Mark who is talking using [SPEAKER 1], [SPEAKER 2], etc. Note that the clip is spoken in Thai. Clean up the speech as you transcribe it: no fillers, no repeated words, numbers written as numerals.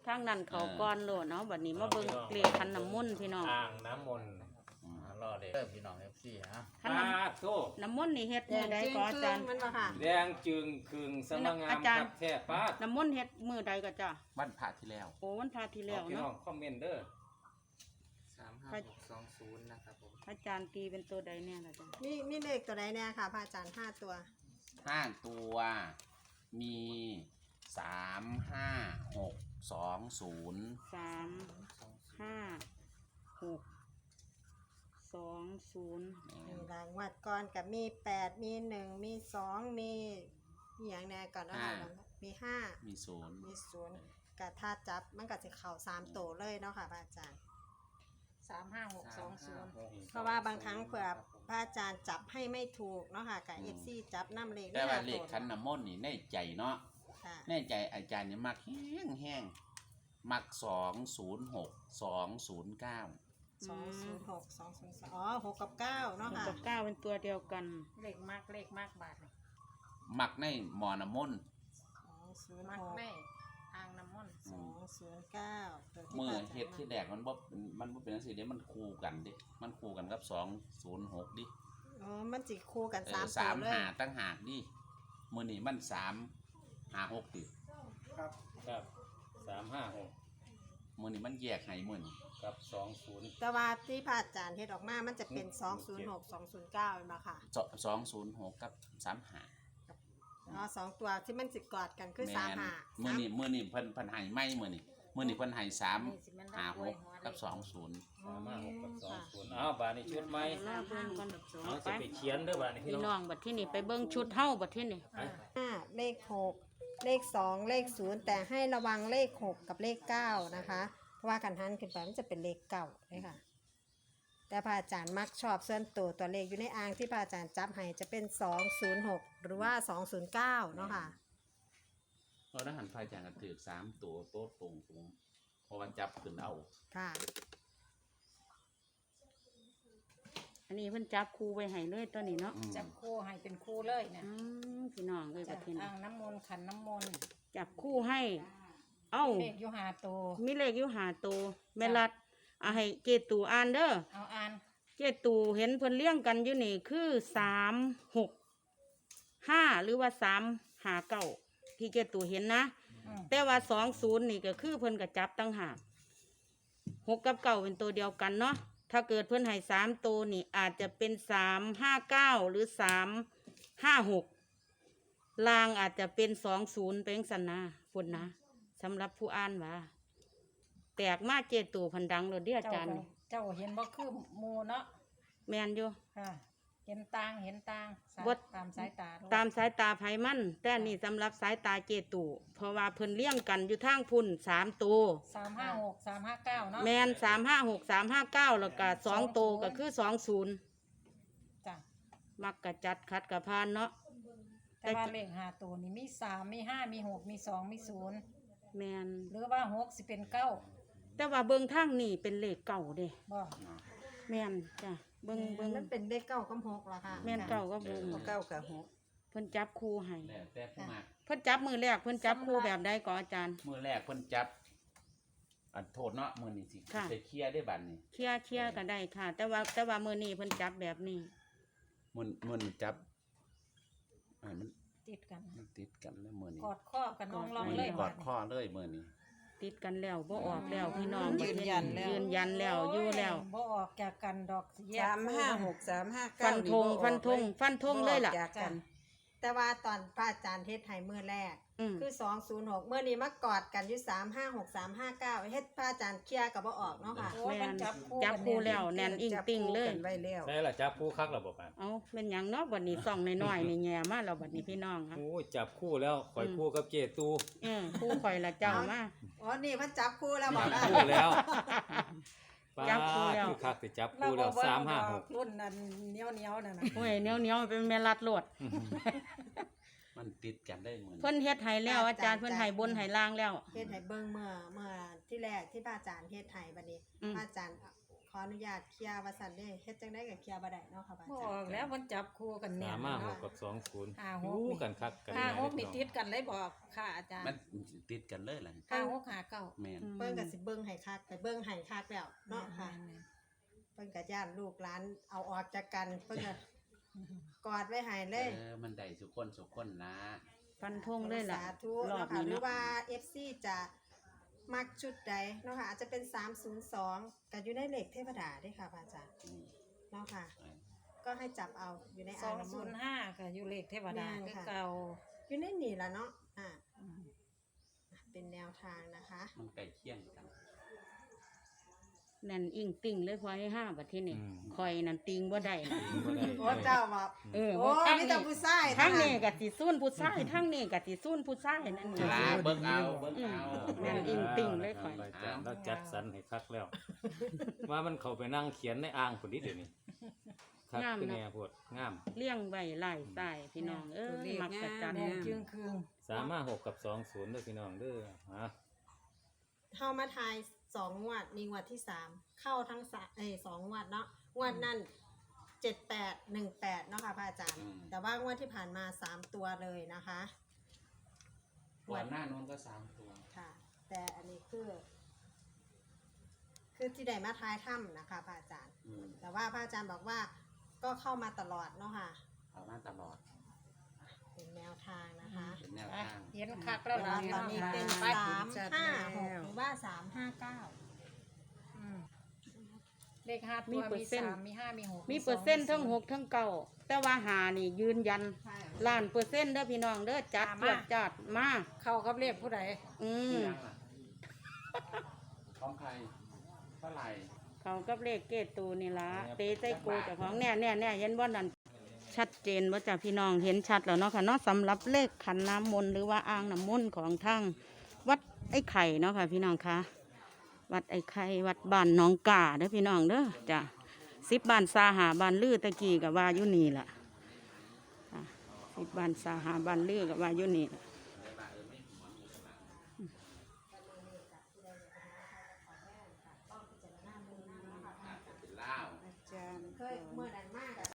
[SPEAKER 1] ทางนั้นเขาก้อนโลดเนาะบัดนี้มาเบิ่งเลขขันน้ำมนต์พี่น้อง
[SPEAKER 2] อ่างน้ำมนต์รอเด็กพี่น้องFC ฮะ
[SPEAKER 1] ขันน้ำมนต์นี่เฮ็ดมื้อใดก็อาจารย์
[SPEAKER 3] มันมาค่ะ
[SPEAKER 2] แดงจึงครึงสมังงามครับแท้ป้า
[SPEAKER 1] น้ำมนต์เฮ็ดมื้อใดก็จ้ะ
[SPEAKER 4] วันพระที่แล้ว
[SPEAKER 1] โอ้วันพระที่แล้ว
[SPEAKER 2] พี่น้อ
[SPEAKER 1] เนาะ
[SPEAKER 2] งคอมเมนต์เด้อ
[SPEAKER 5] 35620นะครับผม
[SPEAKER 1] อาจารย์ตีเป็นตัวใดเนี่ยล่ะจ้ะ
[SPEAKER 3] มีเลขตัวใดเนี่ยค่ะพระอาจารย์5 ตัว
[SPEAKER 4] 5 ตัวมี35620
[SPEAKER 1] 35620
[SPEAKER 3] รางวัดก่อนกับมี8มี1มี2มีอย่างแน่ก่อนนะคะมี5
[SPEAKER 4] มีศูนย์
[SPEAKER 3] มี0กับถ้าจับมันก็จะเข่า3ตัวเลยเนาะค่ะพระอาจารย์เพราะว่าบางครั้งเผื่อพระอาจารย์จับให้ไม่ถูกเนาะค่ะกับFCจับน้ำเลข
[SPEAKER 4] แต่ว่าเลข
[SPEAKER 3] ตัว
[SPEAKER 4] ขันน้ำมนต์นี่ในใจเนาะ
[SPEAKER 3] ค่ะ
[SPEAKER 4] ในใจอาจารย์เนี่ยมักแห้งมัก206 209
[SPEAKER 3] 206 202อ๋อ6กับ9เนาะค่ะ
[SPEAKER 1] กับ9เป็นตัวเดียวกัน
[SPEAKER 6] เลขมากบาทเลย
[SPEAKER 4] มักในหมอน้ำมนต์
[SPEAKER 6] มัก
[SPEAKER 3] 206
[SPEAKER 6] แม่อ่างน้ำมนต์
[SPEAKER 3] 209ตัวที่
[SPEAKER 4] มือ
[SPEAKER 3] พระาจารย์
[SPEAKER 4] เฮ็ดที่แรกมันบ่เป็นจังซี่เด้มันคู่กันดิมันคู่กันกับ206ดิ
[SPEAKER 3] อ๋อมันจิคู่กัน3ตัว
[SPEAKER 4] 3
[SPEAKER 3] เลย
[SPEAKER 4] หาตั้งหากดิมื้อนี้มัน356ติ
[SPEAKER 2] ครับ356
[SPEAKER 4] มื้อนี้มันแยกให้มื้อนี้
[SPEAKER 2] กับ20
[SPEAKER 3] แต่ว่าที่พระอาจารย์เฮ็ดออกมามันจะเป็น206 209เห็นบ่ค่ะ
[SPEAKER 4] 206กับ35
[SPEAKER 3] อ๋อ2ตัวที่มันสิกอดกันคือ
[SPEAKER 4] แม่น
[SPEAKER 3] 35
[SPEAKER 4] มื้อนี้เพิ่นให้ไม่มื้อนี้เพิ่นให้356กับ20
[SPEAKER 2] 356กับ20อ้าวบาดนี้ชุดใหม่
[SPEAKER 1] ลาเบิ่งก่อน
[SPEAKER 2] เอา
[SPEAKER 1] ไป
[SPEAKER 2] สิไปเขียนเด้อบาดนี้พี่
[SPEAKER 1] พี่
[SPEAKER 2] น้
[SPEAKER 1] น้
[SPEAKER 2] อ
[SPEAKER 1] อง งบัดที่นี่ไปเบิ่งชุดเฮาบัดที่นี่
[SPEAKER 3] 5เลข6เลข2เลข0แต่ให้ระวังเลข6กับเลข9นะคะเพราะว่ากันหันขึ้นไปมันจะเป็นเลข9เลยค่ะแต่พระอาจารย์มักชอบส่วนตัวเลขอยู่ในอ่างที่พระอาจารย์จับให้จะเป็น206หรือว่า209เนาะค่ะ
[SPEAKER 4] เราได้หันพายจางกันถือ3ตัวโต๊ะตรงเพราะว่าจับขึ้นเอา
[SPEAKER 3] ค่ะ
[SPEAKER 1] อันนี้เพิ่นจับคู่ไว้ให้เลยตัวนี้เนาะ
[SPEAKER 6] จับคู่ให้เป็นคู่เลยเนี่ย
[SPEAKER 1] พี่น้องเลยบัดที่นี่
[SPEAKER 6] อ่างน้ำมนต์ขันน้ำมนต์
[SPEAKER 1] จับคู่ให้ เอ้า
[SPEAKER 6] เลขอยู่หาตัว
[SPEAKER 1] มีเลขอยู่5ตัวแม่รัดเอาให้เกตูอ่านเด้อ
[SPEAKER 6] เอาอ่าน
[SPEAKER 1] เจตูเห็นเพิ่นเลี้ยงกันอยู่นี่คือ365หรือว่า359ที่เจตูเห็นนะ แต่ว่า20นี่ก็คือเพิ่นก็จับตั้งหาก6กับ9เป็นตัวเดียวกันเนาะถ้าเกิดเพิ่นให้3ตัวนี่อาจจะเป็น359หรือ356ลางอาจจะเป็น20เป็นสันนะพุ่นนะสำหรับผู้อ่านว่าแตกมาเจตูพันดังเลยเด้ออาจารย์
[SPEAKER 6] เจ้าเห็นบ่คือหมูเนาะ
[SPEAKER 1] แม่นอยู่
[SPEAKER 6] ค่ะเห็นต่าง
[SPEAKER 1] บ่
[SPEAKER 6] ตามสายตาด้วย
[SPEAKER 1] ตามสายตาไผมันแต่นี่สำหรับสายตาเจตูเพราะว่าเพิ่นเลี้ยงกันอยู่ทางพุ่น3ตัว
[SPEAKER 6] 356 359เนาะ
[SPEAKER 1] แมน356 359แล้วก็2ตัวก็คือ20
[SPEAKER 6] จ้ะ
[SPEAKER 1] มักกะจัดคัดกะพานเนาะ
[SPEAKER 6] แต่ว่าเลขหาตัวนี่มี3มี5มี6มี2มี0
[SPEAKER 1] แมน
[SPEAKER 6] หรือว่า6สิเป็น9
[SPEAKER 1] แต่ว่าเบิ่งทางนี่เป็นเลขเก่าเด้
[SPEAKER 6] บ่
[SPEAKER 1] แมนจ้ะเบิ่ง
[SPEAKER 3] มันเป็นเลข9กับ6ล่ะค่ะ
[SPEAKER 1] แมนเก่าก็เบิ่ง
[SPEAKER 3] 9กับ6
[SPEAKER 1] เพิ่นจับคู่ให้
[SPEAKER 4] แล้วแต่ผู้มัก
[SPEAKER 1] เพิ่นจับมือแรกเพิ่นจับคู่แบบใดก็อาจารย์
[SPEAKER 4] มื้อแรกเพิ่นจับอันโทษเนาะมื้อนี้สิ
[SPEAKER 1] ค่ะ
[SPEAKER 4] ไปเคลียร์ได้บัดนี้
[SPEAKER 1] เคลียร์ก็ได้ค่ะ แต่ว่ามื้อนี้เพิ่นจับแบบนี้
[SPEAKER 4] มื้อนี้จับมัน
[SPEAKER 6] ติดกัน
[SPEAKER 4] ติดกันแล้วมื้อนี้
[SPEAKER 6] กอดข้อกันน้องลองเลย
[SPEAKER 4] กอดข้อเลยมื้อนี้
[SPEAKER 1] ติดกันแล้วบ่ออกแล้วพี่น้อง
[SPEAKER 3] ยืนยันแล้ว
[SPEAKER 1] ยืนยันแล้วอยู่แล้ว
[SPEAKER 6] บ่ออกจากกันดอกแยก
[SPEAKER 3] 356 359
[SPEAKER 1] ฟันธงเลยล่ะ
[SPEAKER 3] จากกัน แต่ว่าตอนพระอาจารย์เฮ็ดให้มื้อแรก
[SPEAKER 1] อืม
[SPEAKER 3] คือ206มื้อนี้มากอดกันอยู่356 359เฮ็ดพระอาจารย์เคลียร์ก็บ่ออกเนาะค่ะ
[SPEAKER 6] โอ้ยมันจับคู่
[SPEAKER 1] จับคู่แล้วแน่นอิงติ่งเลย
[SPEAKER 3] จับคู่กันไว้แล้ว
[SPEAKER 2] ใช่ล่ะจับคู่คักแล้วบ่ปาน
[SPEAKER 1] เอาเป็นหยังเนาะบัดนี้ส่องน้อยๆนี่แง่มาแล้วบัดนี้พี่น้องครับ
[SPEAKER 2] โอ้ยจับคู่แล้วข่อยคู่กับเจตู
[SPEAKER 1] คู่ข่อยละเจ้ามา
[SPEAKER 3] อ๋อนี่เพิ่นจับคู่แล้วบอก
[SPEAKER 2] จับ
[SPEAKER 3] นะ
[SPEAKER 2] คู่แล้วป้า
[SPEAKER 1] จับคู่แล้ว
[SPEAKER 2] คือคักสิจับ
[SPEAKER 6] เรา
[SPEAKER 2] คู่แล้ว
[SPEAKER 6] บ่
[SPEAKER 2] 356
[SPEAKER 6] รุ่นนั้นเหนียวนั่นน่ะ
[SPEAKER 1] โอ้ยเหนียวๆเป็นแม่รัดโลด
[SPEAKER 4] มันติดกันได้มื้อนี้
[SPEAKER 1] เพิ่นเฮ็ดให้แล้วอาจารย์เพิ่นให้บนให้ล่างแล้ว
[SPEAKER 3] เฮ็ดให้เบิ่งเมื่อที่แรกที่พระอาจารย์เฮ็ดให้บัดนี้
[SPEAKER 1] อืม
[SPEAKER 3] พระอาจารย์ขออนุญาตเคลียร์ว่าซั่นเด้เฮ็ดจังได๋ก็เคลียร์บ่ได้เนาะค่ะพระอา
[SPEAKER 6] บ่
[SPEAKER 3] จาร
[SPEAKER 6] อ
[SPEAKER 3] ย์
[SPEAKER 6] อกแล้วมันจับคู่กันแน่น
[SPEAKER 2] 356กับ20
[SPEAKER 6] 56
[SPEAKER 2] คู่กันคักกัน
[SPEAKER 6] 56นี่ติดกันเลยบอกค่ะอาจารย์
[SPEAKER 4] มันติดกันเลยล่ะ
[SPEAKER 6] 56 59
[SPEAKER 4] แม่น
[SPEAKER 3] พิ่นก็สิเบิ่งให้คักไปเบิ่งให้คักแล้วเนาะค่ะเพิ่นก็ย่านลูกหลานเอาออกจากกันเพิ่นก็กอดไว้ให้เลย
[SPEAKER 4] มันได้สุคนนะ
[SPEAKER 1] ฟันธงเลยล่ะ
[SPEAKER 3] สาธุ
[SPEAKER 1] รอบ
[SPEAKER 3] เนาะค่ะ
[SPEAKER 1] นี้
[SPEAKER 3] หรือ
[SPEAKER 1] เนาะ
[SPEAKER 3] ว่า FC จะมักชุดใดเนาะค่ะอาจจะเป็น302ก็อยู่ในเลขเทวดาเด้ค่ะพระอาจารย์เนาะค่ะ ก็ให้จับเอาอยู่ใน
[SPEAKER 6] ส
[SPEAKER 3] อ่า
[SPEAKER 6] อง ง
[SPEAKER 3] น้ำม
[SPEAKER 6] ศู
[SPEAKER 3] น
[SPEAKER 6] น
[SPEAKER 3] ต์
[SPEAKER 6] ย์ห้าก็อยู่เลขเทวดา
[SPEAKER 3] แม่น
[SPEAKER 6] คือ
[SPEAKER 3] ค่ะ
[SPEAKER 6] เก่า
[SPEAKER 3] อยู่ในนี่ล่ะเนาะ
[SPEAKER 6] อืม
[SPEAKER 3] เป็นแนวทางนะคะ
[SPEAKER 4] มันใกล้เคียงกัน
[SPEAKER 1] นั่นอิงติ่งเลยพอให้5บัดทีนี่
[SPEAKER 5] อืม
[SPEAKER 1] คอยนั่นติงบ่ได้นะ
[SPEAKER 3] โอ้เจ้าว่า
[SPEAKER 1] เออ
[SPEAKER 3] โอ้
[SPEAKER 1] ทั้ง
[SPEAKER 3] มี
[SPEAKER 1] นี้
[SPEAKER 3] แต่ผู้ชาย
[SPEAKER 1] ทั้ง
[SPEAKER 3] เท่า
[SPEAKER 1] นี้ก็สิซุ่นผู้ชายทั้งนี้ก็สิซุ่นผู้ชายนั่นนี่
[SPEAKER 4] ลาเบิ่งเอาเบิ่งเอา
[SPEAKER 1] แม่นอิงติ่งเลยข่อย
[SPEAKER 5] อาจารย์เราจัดสรรให้คักแล้ว ว่ามันเข้าไปนั่งเขียนในอ่างคนนี้เดี๋ยวนี้คัก
[SPEAKER 1] งาม
[SPEAKER 5] คือ
[SPEAKER 1] เนาะ
[SPEAKER 5] แน่โพดงาม
[SPEAKER 1] เลี้ยงไว้หลายสายพี่น้องเอ้ยมักจะจัน
[SPEAKER 6] แดงจึงคืง
[SPEAKER 5] 356กับ20เด้อพี่น้องเด้อฮะ
[SPEAKER 3] เข้ามาทาย2 งวดมีงวดที่ 3 เข้าทั้ง2 งวดเนาะงวดนั่น7818เนาะค่ะพระอาจารย์ แต่ว่างวดที่ผ่านมา3 ตัวเลยนะคะ
[SPEAKER 4] ก่อนหน้านู้นก็3 ตัว
[SPEAKER 3] ค่ะ แต่อันนี้คือที่ได้มาทายถ้ำนะคะพระอาจารย์ แต่ว่าพระอาจารย์บอกว่าก็เข้ามาตลอดเนาะค่ะ
[SPEAKER 4] เอามาตลอด
[SPEAKER 3] เป็นแนวทางนะคะ
[SPEAKER 4] เป็นแนวทาง
[SPEAKER 6] เห็นคักแล้ว
[SPEAKER 3] แต่
[SPEAKER 6] ล่ะ
[SPEAKER 3] ว่าตอนนี้เป็น
[SPEAKER 6] ไป
[SPEAKER 3] 356หรือว่า359
[SPEAKER 6] อืมเลขห้าตัวมี3มี5มี6
[SPEAKER 1] มีเปอร์เซ็นต์ทั้ง6ทั้ง9แต่ว่าหานี่ยืนยันล้านเปอร์เซ็นต์เด้อพี่น้องเด้อจัดตรวจจัดมา
[SPEAKER 6] เข้ากับเลขผู้ใด
[SPEAKER 1] อืม
[SPEAKER 4] ยังล่ะของใครเท่าไหร่
[SPEAKER 1] เขากับเลขเกตตูนี่ละเตใจโกเจ้าของเนี่ยเห็นว่านั่นชัดเจนว่าจ้ะพี่น้องเห็นชัดแล้วเนาะค่ะเนาะสำหรับเลขขันน้ำมนต์หรือว่าอ่างน้ำมนต์ของทางวัดไอ้ไข่เนาะค่ะพี่น้องคะวัดไอ้ไข่วัดบ้านหน้องกาเด้อพี่น้องเด้อจ้ะ10 บ้านซาหาบ้านลือตะกี้กับว่าอยู่นี่ล่ะ10 บ้านซาหาบ้านลือกับว่าอยู่นี่ล่ะ